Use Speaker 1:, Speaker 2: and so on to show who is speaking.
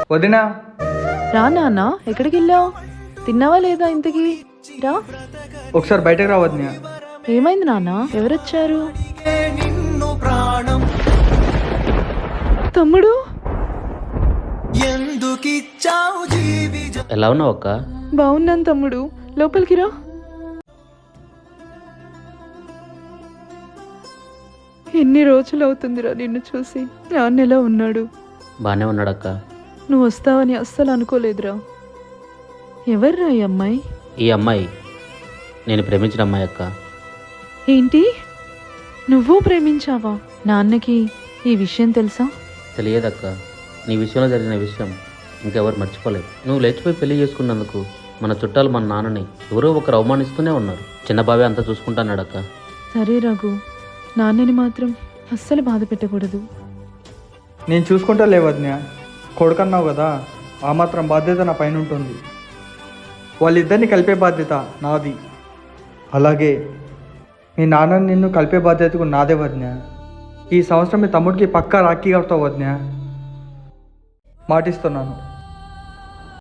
Speaker 1: వదినా.
Speaker 2: రా నాన్న, ఎక్కడికి వెళ్ళావు? తిన్నావా లేదా ఇంతకీ? రా.
Speaker 1: ఒకసారి బయటకు రా వదినా.
Speaker 2: ఏమైంది నాన్న? ఎవరొచ్చారు? తమ్ముడు,
Speaker 3: ఎలా ఉన్నావు అక్క?
Speaker 2: బాగున్నాను తమ్ముడు, లోపలికి రా. ఎన్ని రోజులు అవుతుందిరా నిన్ను చూసి. నాన్న ఎలా ఉన్నాడు?
Speaker 3: బాగానే ఉన్నాడక్క.
Speaker 2: నువ్వు వస్తావని అస్సలు అనుకోలేదురా. ఎవర్రా ఈ అమ్మాయి?
Speaker 3: ఈ అమ్మాయి నేను ప్రేమించిన అమ్మాయి అక్క.
Speaker 2: ఏంటి, నువ్వు ప్రేమించావా? నాన్నకి ఈ విషయం తెలుసా?
Speaker 3: తెలియదక్క. నీ విషయంలో జరిగిన విషయం ఇంకెవరు మర్చిపోలేదు. నువ్వు లేచిపోయి పెళ్లి చేసుకున్నందుకు మన చుట్టాలు మన నాన్నని ఎవరో ఒకరు అవమానిస్తూనే ఉన్నారు. చిన్న బావే అంతా చూసుకుంటాన్నాడక్క.
Speaker 2: సరే రఘు, నాన్నని మాత్రం అస్సలు బాధ పెట్టకూడదు.
Speaker 1: నేను చూసుకుంటా లే వదినా. కొడుకన్నావు కదా, ఆ మాత్రం బాధ్యత నా పైన ఉంటుంది. వాళ్ళిద్దరిని కలిపే బాధ్యత నాది. అలాగే మీ నాన్నని నిన్ను కలిపే బాధ్యత కూడా నాదే వదినా. ఈ సంవత్సరం మీ తమ్ముడికి పక్కా రాఖీ కడతావు వదినా, మాటిస్తున్నాను.